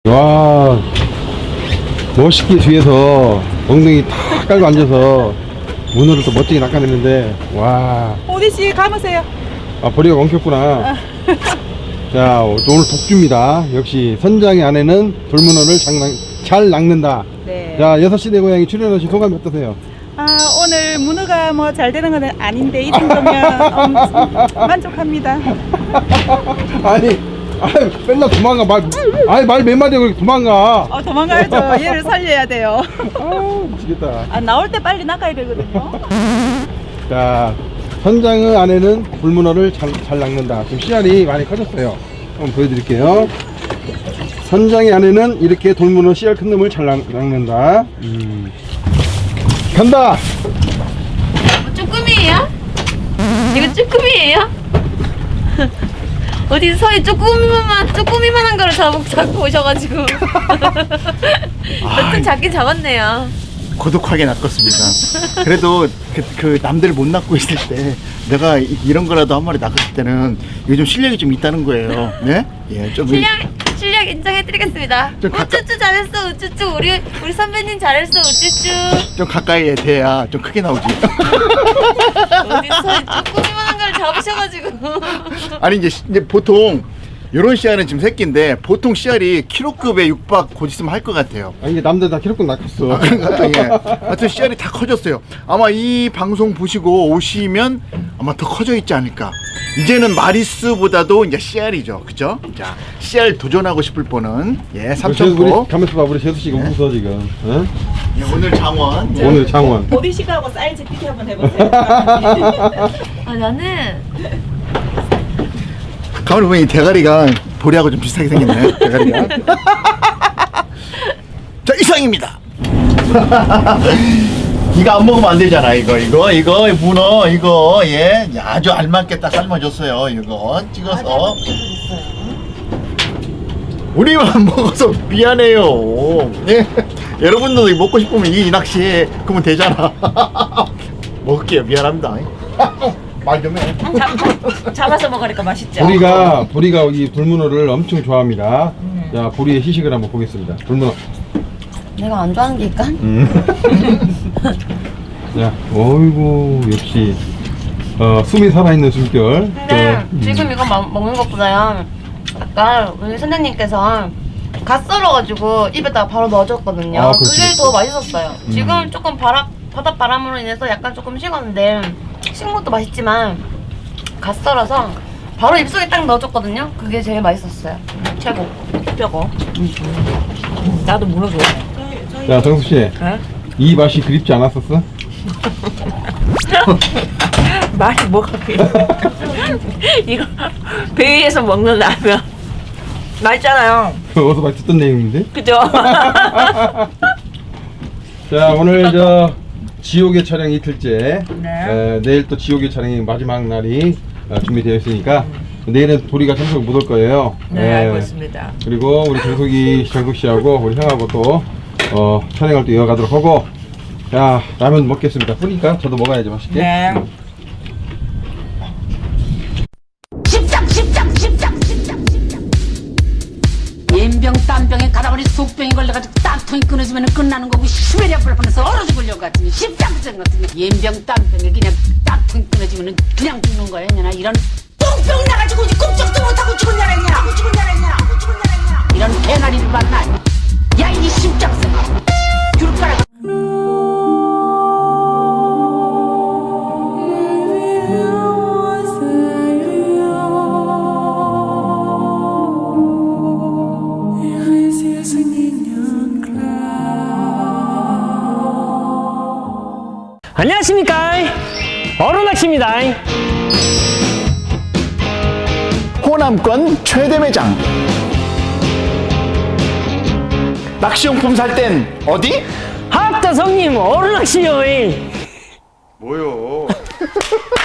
와, 멋있게 뒤에서 엉덩이 탁 깔고 앉아서 문어를 또 멋지게 낚아냈는데, 와. 오디씨 감으세요. 아, 보리가 엉켰구나. 자, 오늘 독주입니다. 역시 선장의 아내는 돌문어를 잘 낚는다. 네. 자, 6시 내 고향에 출연하신 소감이 어떠세요? 오늘 문어가 뭐 잘 되는 건 아닌데 이 정도면 만족합니다. 아니, 맨날 도망가. 말 몇 마디에 그렇게 도망가. 도망가야죠. 얘를 살려야 돼요. 미치겠다. 나올 때 빨리 낚아야 되거든요. 자, 선장의 아내는 돌문어를 잘 낚는다. 지금 씨알이 많이 커졌어요. 한번 보여드릴게요. 선장의 아내는 이렇게 돌문어 씨알 큰 놈을 잘 낚는다. 간다! 쭈꾸미예요? 이거 쭈꾸미예요? 어디 서해 쭈꾸미만한 거를 잡고 오셔가지고 여튼 잡긴 잡았네요. 고독하게 낚았습니다. 그래도 그 남들 못 낚고 있을 때 내가 이런 거라도 한 마리 낚았을 때는 이게 좀 실력이 좀 있다는 거예요. 네? 예, 좀 실력 인정해드리겠습니다. 좀 우쭈쭈 잘했어 우쭈쭈 우리 선배님 잘했어 우쭈쭈. 좀 가까이에 대야 좀 크게 나오지. 어디 서해 쭈꾸미만한 거를 잡으셔가지고. 아니 이제 보통 이런 씨알은 지금 새끼인데 보통 씨알이 키로급에 육박 곧 있으면 할 것 같아요. 아니, 이게 남들 다 키로급 낚았어. 그런가? 예. 하여튼 씨알이 다 커졌어요. 아마 이 방송 보시고 오시면 아마 더 커져 있지 않을까. 이제는 마리수보다도 이제 씨알이죠, 그죠? 자, 씨알 도전하고 싶을 분은 예, 삼천포. 우리 가면서 봐, 우리 재수씨가 웃어 지금. 어? 예, 오늘 장원. 예. 오늘 장원. 오디씨하고 사이즈 비교 한번 해보세요. 나는 가만히 보면 이 대가리가 보리하고 좀 비슷하게 생겼네. 대가리가. 자, 이상입니다. 이거 안 먹으면 안 되잖아. 이거 문어 이거 예 아주 알맞게 딱 삶아줬어요. 이거 찍어서 우리만 먹어서 미안해요. 예 여러분들도 먹고 싶으면 이 낚시 그러면 되잖아. 먹을게요. 미안합니다. 말 좀 해. 잡아서 먹으니까 맛있죠. 보리가 이 돌문어를 엄청 좋아합니다. 자, 보리의 시식을 한번 보겠습니다. 돌문어. 내가 안 좋아하는 게 있까? 자, 어이구, 역시 숨이 살아있는 숨결. 근데 지금 이거 먹는 것보다요 아까 우리 선생님께서 갓 썰어가지고 입에다가 바로 넣어줬거든요. 아, 그렇지, 그게 그렇지. 더 맛있었어요. 지금 조금 바닷바람으로 인해서 약간 조금 식었는데 식은 것도 맛있지만 갓 썰어서 바로 입속에 딱 넣어줬거든요. 그게 제일 맛있었어요. 최고. 뼈고. 나도 문어 좋아해. 자, 정수씨. 이 맛이 그립지 않았었어? 말이 뭐가 필요해. 이거 배 위에서 먹는 라면 맛있잖아요. 어디서 많이 듣던 내용인데? 그죠? 자, 오늘 지옥의 촬영 이틀째. 네. 내일 또 지옥의 촬영이 마지막 날이 준비되어 있으니까 내일은 보리가 참석을 못 올 거예요. 네, 알고 있습니다. 그리고 우리 정숙 씨하고 우리 형하고 또 촬영을 또 이어가도록 하고, 자, 라면 먹겠습니다. 뿌니까 저도 먹어야지 맛있게. 네. 연병 땀병에 가다보니 속병이 걸려가지고 땀통이 끊어지면 끝나는 거고 시베리아 불판에서 얼어 죽으려고 같으니 십장부장 같으니 연병 땀병에 그냥 땀통이 끊어지면 그냥 죽는 거야 이년아. 이런 똥병 나가지고 꿈쩍도 못하고 죽은 줄 알았냐. 이런 개나리를 봤나. 야 이 십장생아 귤가락. 안녕하십니까, 어로낚시입니다. 호남권 최대 매장. 낚시용품 살 땐 어디? 학다 성님 어로낚시요. 뭐요?